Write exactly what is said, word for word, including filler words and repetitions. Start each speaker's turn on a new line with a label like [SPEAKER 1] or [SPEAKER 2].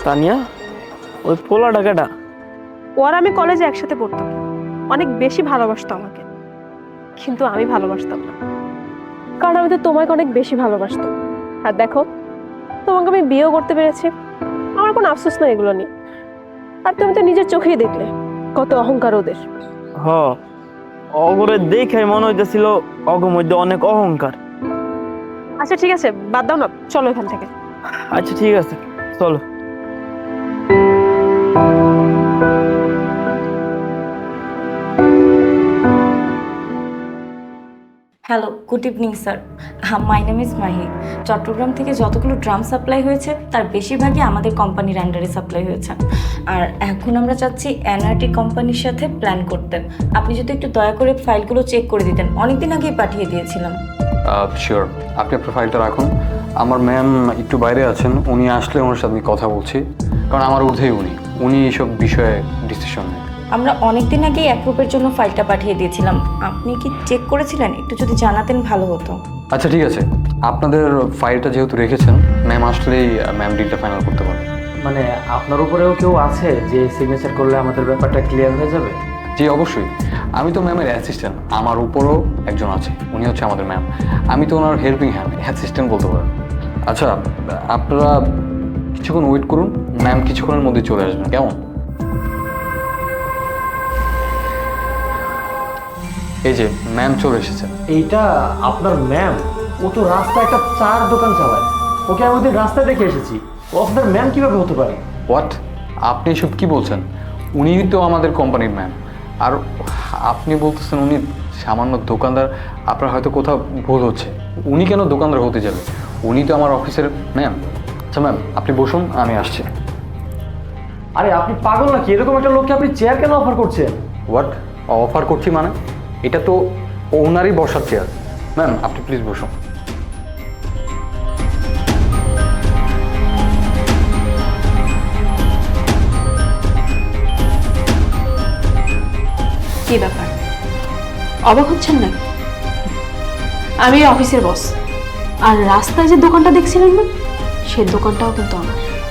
[SPEAKER 1] তানিয়া, ওই পোলা ডাকাটা
[SPEAKER 2] ওর আমি কলেজে একসাথে পড়তাম, অনেক বেশি ভালোবাসতো আমাকে, কিন্তু আমি ভালোবাসতাম না, কারণ আমি তো তোমাকে অনেক বেশি ভালোবাসতাম। আর দেখো, তোমাকে আমি বিয়েও করতে পেরেছি, আমার কোনো আফসোস নেই এগুলো নিয়ে। আর তুমি তো নিজের চোখেই দেখলে কত অহংকার ওদের।
[SPEAKER 1] হ, অগরে দেখে মনে হইতেছিল অগর মধ্যে অনেক অহংকার।
[SPEAKER 2] আচ্ছা ঠিক আছে, বাদ দাও না, চলো এখান থেকে।
[SPEAKER 1] আচ্ছা ঠিক আছে, চলো।
[SPEAKER 3] Hello, good evening sir. My name is Mahi. Chittagong থেকে যতগুলো ড্রাম সাপ্লাই হয়েছে তার বেশিরভাগই আমাদের কোম্পানির আন্ডারে সাপ্লাই হয়েছে। আর এখন আমরা চাচ্ছি এনআরটি কোম্পানির সাথে প্ল্যান করতে। আপনি যদি একটু দয়া করে ফাইলগুলো চেক করে দিতেন, অনেকদিন আগেই পাঠিয়ে দিয়েছিলাম।
[SPEAKER 4] শিওর, আপনি আপনার ফাইলটা রাখুন। আমার ম্যাম একটু বাইরে আছেন, উনি আসলে ওনার সাথে আমি কথা বলছি, কারণ আমার ঊর্ধ্বেই উনি উনি এইসব বিষয়ে ডিসিশন নেন।
[SPEAKER 3] আমরা অনেকদিন আগেই অ্যাপ্রুভের জন্য ফাইলটা পাঠিয়ে দিয়েছিলাম, আপনি কি চেক করেছিলেন? একটু যদি জানাতেন ভালো হতো।
[SPEAKER 4] আচ্ছা ঠিক আছে, আপনাদের ফাইলটা যেহেতু রেখেছেন, ম্যাম আসলেই ম্যাম ডিলটা ফাইনাল করতে পারবে।
[SPEAKER 5] মানে আপনার উপরেও কেউ আছে যে সিগনেচার করলে আমাদের ব্যাপারটা ক্লিয়ার হয়ে যাবে?
[SPEAKER 4] জি অবশ্যই, আমি তো ম্যামের অ্যাসিস্ট্যান্ট, আমার উপরও একজন আছে, উনি হচ্ছে আমাদের ম্যাম। আমি তো ওনার হেল্পিং হ্যান্ড, অ্যাসিস্ট্যান্ট বলতে পারেন। আচ্ছা, আপনারা কিছুক্ষণ ওয়েট করুন, ম্যাম কিছুক্ষণের মধ্যে চলে আসবেন, কেমন? এই যে ম্যাম চলে এসেছেন।
[SPEAKER 5] এইটা আপনার ম্যাম? ও তো রাস্তায় একটা চার দোকান চালায়, ওকে আমি ওদের রাস্তায় দেখে এসেছি, ও আপনার ম্যাম কিভাবে হতে পারে?
[SPEAKER 4] হোয়াট, আপনি এসব কি বলছেন? উনি তো আমাদের কোম্পানির ম্যাম, আর আপনি বলতেছেন উনি সামান্য দোকানদার। আপনার হয়তো কোথাও ভুল হচ্ছে, উনি কেন দোকানদার হতে যাবে? উনি তো আমার অফিসের ম্যাম। আচ্ছা ম্যাম, আপনি বসুন, আমি আসছি।
[SPEAKER 5] আরে আপনি পাগল নাকি? এরকম একটা লোককে আপনি চেয়ার কেন অফার করছেন?
[SPEAKER 4] হোয়াট অফার করছি মানে? এটা তো ওনারই বসার চেয়ার। ম্যাম আপনি প্লিজ বসুন।
[SPEAKER 2] কি ব্যাপার, অবাক হচ্ছেন না? আমি অফিসের বস, আর রাস্তায় যে দোকানটা দেখছিলেন না, সেই দোকানটাও কিন্তু আমার।